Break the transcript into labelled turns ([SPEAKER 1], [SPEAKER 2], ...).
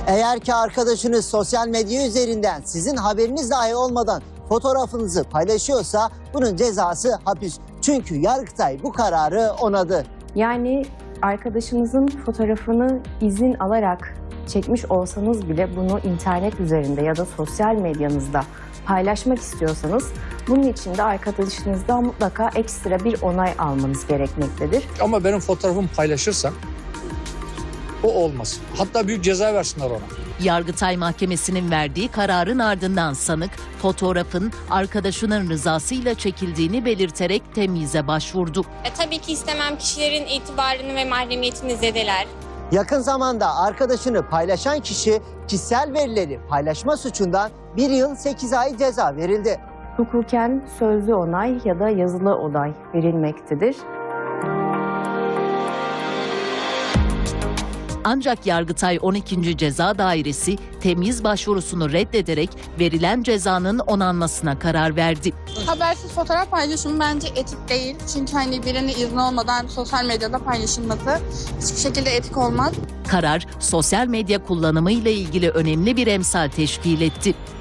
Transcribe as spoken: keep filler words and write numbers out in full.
[SPEAKER 1] Eğer ki arkadaşınız sosyal medya üzerinden sizin haberiniz dahi olmadan fotoğrafınızı paylaşıyorsa bunun cezası hapis. Çünkü Yargıtay bu kararı onadı.
[SPEAKER 2] Yani arkadaşınızın fotoğrafını izin alarak çekmiş olsanız bile bunu internet üzerinde ya da sosyal medyanızda paylaşmak istiyorsanız bunun için de arkadaşınızdan mutlaka ekstra bir onay almanız gerekmektedir.
[SPEAKER 3] Ama benim fotoğrafımı paylaşırsam o olmaz. Hatta büyük ceza versinler ona.
[SPEAKER 4] Yargıtay Mahkemesi'nin verdiği kararın ardından sanık fotoğrafın arkadaşının rızasıyla çekildiğini belirterek temyize başvurdu.
[SPEAKER 5] E, tabii ki istemem kişilerin itibarını ve mahremiyetini zedeler.
[SPEAKER 1] Yakın zamanda arkadaşını paylaşan kişi kişisel verileri paylaşma suçundan bir yıl sekiz ay ceza verildi.
[SPEAKER 2] Hukuken sözlü onay ya da yazılı onay verilmektedir.
[SPEAKER 4] Ancak Yargıtay on ikinci Ceza Dairesi temyiz başvurusunu reddederek verilen cezanın onanmasına karar verdi.
[SPEAKER 6] Habersiz fotoğraf paylaşımı bence etik değil. Çünkü hani birinin izni olmadan sosyal medyada paylaşılması hiçbir şekilde etik olmaz.
[SPEAKER 4] Karar sosyal medya kullanımı ile ilgili önemli bir emsal teşkil etti.